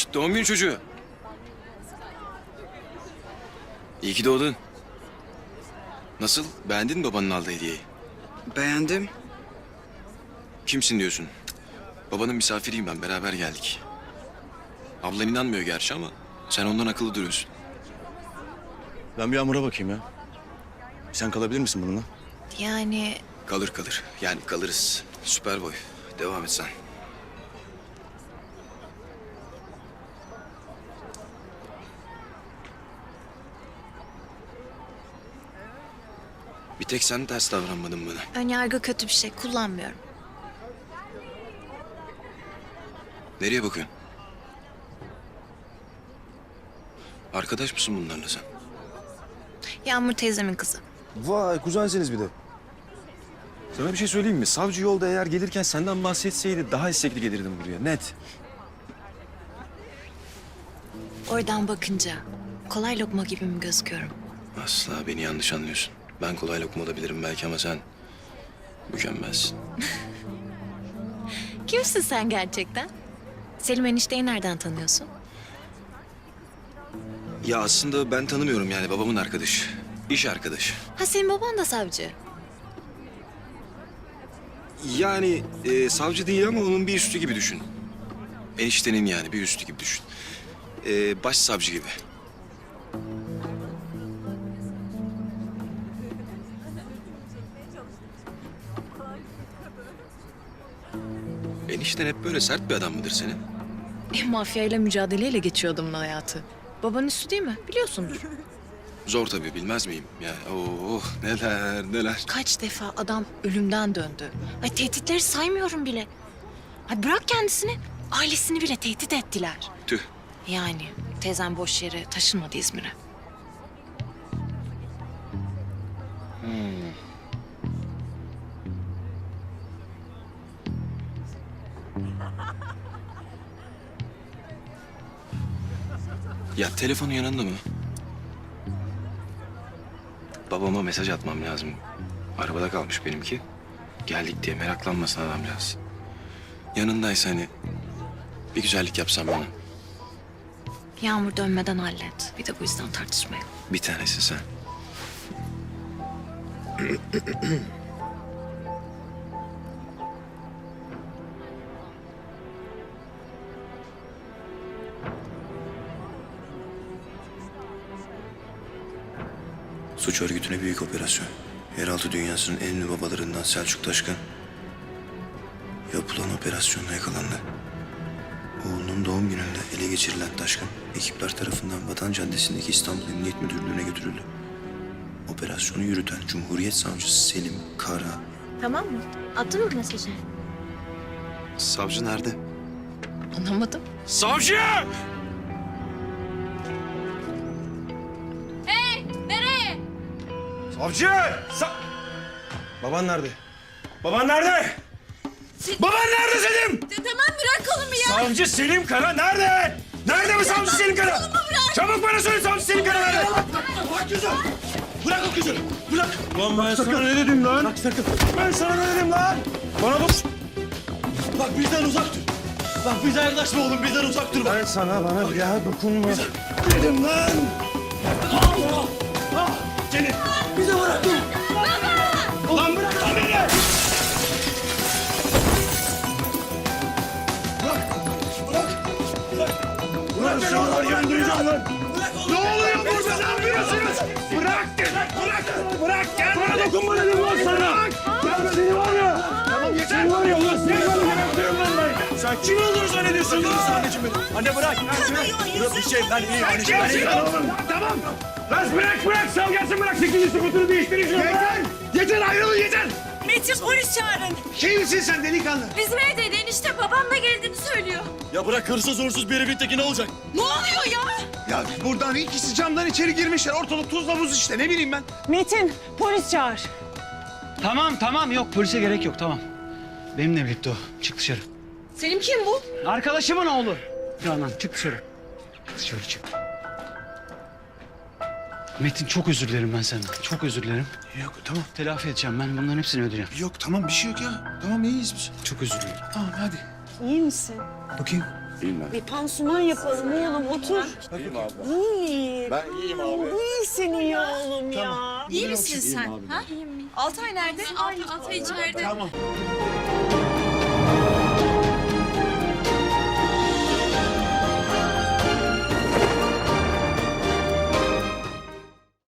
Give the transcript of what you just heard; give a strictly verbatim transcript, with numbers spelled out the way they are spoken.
Doğum günü çocuğu. İyi ki doğdun. Nasıl? Beğendin mi babanın aldığı hediyeyi? Beğendim. Kimsin diyorsun? Babanın misafiriyim ben. Beraber geldik. Ablan inanmıyor gerçi ama sen ondan akıllı duruyorsun. Ben bir Yağmur'a bakayım ya. Sen kalabilir misin bununla? Yani Kalır kalır. Yani kalırız. Süper boy. Devam et sen. Bir tek sen ters davranmadın bana. önyargı kötü bir şey, kullanmıyorum. Nereye bakıyorsun? Arkadaş mısın bunlarla sen? Yağmur teyzemin kızı. Vay kuzensiniz bir de. Sana bir şey söyleyeyim mi? Savcı yolda eğer gelirken senden bahsetseydi daha istekli gelirdim buraya. Net. Oradan bakınca kolay lokma gibi mi gözüküyorum? Asla beni yanlış anlıyorsun. Ben kolay lokma olabilirim belki ama sen mükemmelsin. Kimsin sen gerçekten? Selim enişteyi nereden tanıyorsun? Ya aslında ben tanımıyorum yani babamın arkadaşı. İş arkadaşı. Ha, senin baban da savcı. Yani e, savcı değil ama onun bir üstü gibi düşün. Eniştenin yani bir üstü gibi düşün. E, başsavcı gibi. Enişten hep böyle sert bir adam mıdır senin? E, mafyayla mücadeleyle geçiyor adamın hayatı. Babanın üstü değil mi? Biliyorsundur. Zor tabii bilmez miyim? Ya oh neler neler. Kaç defa adam ölümden döndü. Ay, tehditleri saymıyorum bile. Ay, bırak kendisini, ailesini bile tehdit ettiler. Tüh. Yani teyzem boş yere taşınmadı İzmir'e. Ya telefonun yanında mı? Babama mesaj atmam lazım. Arabada kalmış benimki. Geldik diye meraklanmasın adamcağız. Yanındaysa hani bir güzellik yapsam bana. Yağmur dönmeden hallet. Bir de bu yüzden tartışmayalım. Bir tanesi sen. Suç örgütüne büyük operasyon. Yeraltı dünyasının en ünlü babalarından Selçuk Taşkın yapılan operasyonla yakalandı. Oğlunun doğum gününde ele geçirilen Taşkın, ekipler tarafından Vatan Caddesi'ndeki İstanbul Emniyet Müdürlüğü'ne götürüldü. Operasyonu yürüten Cumhuriyet Savcısı Selim Kara. Tamam mı? Attın mı mesajı? Savcı nerede? Anlamadım. Savcı! Savcı! Sa Baban nerede? Baban nerede? Baban nerede Selim? Tamam, bırak kolumu ya. Savcı Selim Kara nerede? Nerede bu savcı Selim Kara? Çabuk bana söyle savcı Selim Kara nerede? Bırak kızı! Bırak o kızı! Bırak! Lan ben sana ne dedim lan? Bırak sakın! Ben sana ne dedim lan? Bana bak! Bak bizden uzak dur! Bak bize yaklaşma oğlum, bizden uzak dur! Ben sana bana bir daha dokunma dedim lan! Allah! Ah! Selim! Bize bırak dur! Baba! Ulan bırak lan beni! Bırak! Bırak! Bırak! Bırak beni oğlum! Öldüreceğim lan! Ne oluyor burada? Ne yapıyorsunuz? Bırak! Bırak! Bırak! Gel bana dokunma dedim lan sana! Gel seni var ya! Tamam yeter! Seni var ya ulan seni var ya! Bırakıyorum lan ben! Sen kim olduğunu zannediyorsun lan? Anneciğim benim! Anne bırak! Bırak bir şey ben iyiyim anneciğim ben iyiyim! Tamam! Lan bırak bırak! Sal gelsin bırak! Sekizinci skutunu değiştirin şunu! Yeter! Yeter ayrılın yeter! Metin, polis çağırın. Kimsin sen delikanlı? Bizim evdeydi enişte, babam da geldiğini söylüyor. Ya bırak hırsız uğursuz bir evin teki ne olacak? Ne oluyor ya? Ya buradan ikisi camdan içeri girmişler. Ortalık tuzla buz işte ne bileyim ben. Metin, polis çağır. Tamam tamam yok polise gerek yok tamam. Benimle birlikte o. Çık dışarı. Selim kim bu? Arkadaşımın oğlu. Canan çık dışarı. Dışarı çık. Metin çok özür dilerim ben senden. Çok özür dilerim. Yok tamam. Telafi edeceğim ben bunların hepsini ödeyeceğim. Yok tamam bir şey yok ya. Tamam iyiyiz biz. Çok özür dilerim. Tamam hadi. İyi misin? Bakayım. Bir pansuman yapalım oğlum otur. İyi. Ben iyiyim abi. İyisin iyi oğlum ya. İyi misin sen? Ha? Altay nerede? Altay, Altay içeride. Tamam.